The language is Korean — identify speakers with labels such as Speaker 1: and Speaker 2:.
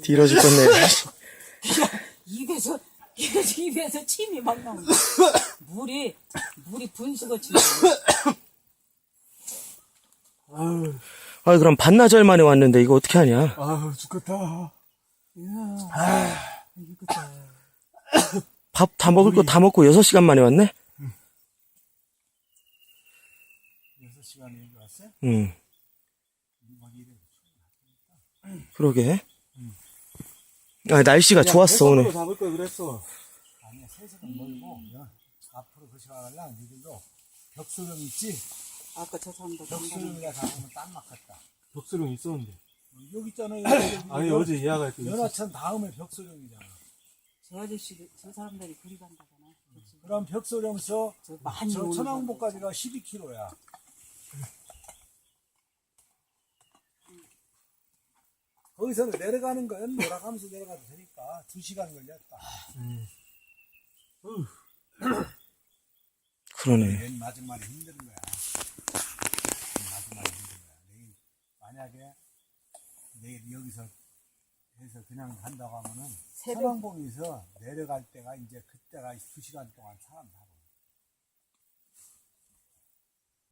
Speaker 1: 뒤로 죽겠네.
Speaker 2: 입에서 침이 막 나온다. 물이 분수같이 나와.
Speaker 1: 아, 그럼 반나절 만에 왔는데 이거 어떻게 하냐?
Speaker 3: 아유, 죽겠다.
Speaker 2: 이거다.
Speaker 1: 밥 다 먹을 거 다 먹고 6시간 만에 왔네?
Speaker 3: 6시간에 여기 왔어요?
Speaker 1: 응. 그러게. 아, 날씨가 좋았어, 오늘.
Speaker 3: 잡을 걸 그랬어.
Speaker 4: 아니야, 세색은 멀고, 앞으로 그 시간을랑 니들도 벽수령 있지?
Speaker 2: 아까 저 사람도
Speaker 4: 벽수령이라 잡으면 딱 맞겠다.
Speaker 3: 벽수령 있었는데.
Speaker 4: 여기 있잖아요.
Speaker 3: 아니, 어제 예약할 때 있었어.
Speaker 4: 연하천 다음에 벽수령이잖아.
Speaker 2: 저 아저씨 저 사람들이 그리 간다잖아.
Speaker 4: 그럼 벽수령서
Speaker 2: 저 많이
Speaker 4: 저
Speaker 2: 오는
Speaker 4: 천왕봉까지가 12km야. 거기서 내려가는 건 돌아가면서 내려가도 되니까 2시간 걸렸다.
Speaker 1: 그러네.
Speaker 4: 맨 마지막에 힘든 거야. 맨 마지막에 힘든 거야. 내일 만약에 내일 여기서 해서 그냥 간다고 하면은
Speaker 2: 새벽
Speaker 4: 천왕봉에서 내려갈 때가 이제 그때가 2시간 동안 사람 잡아.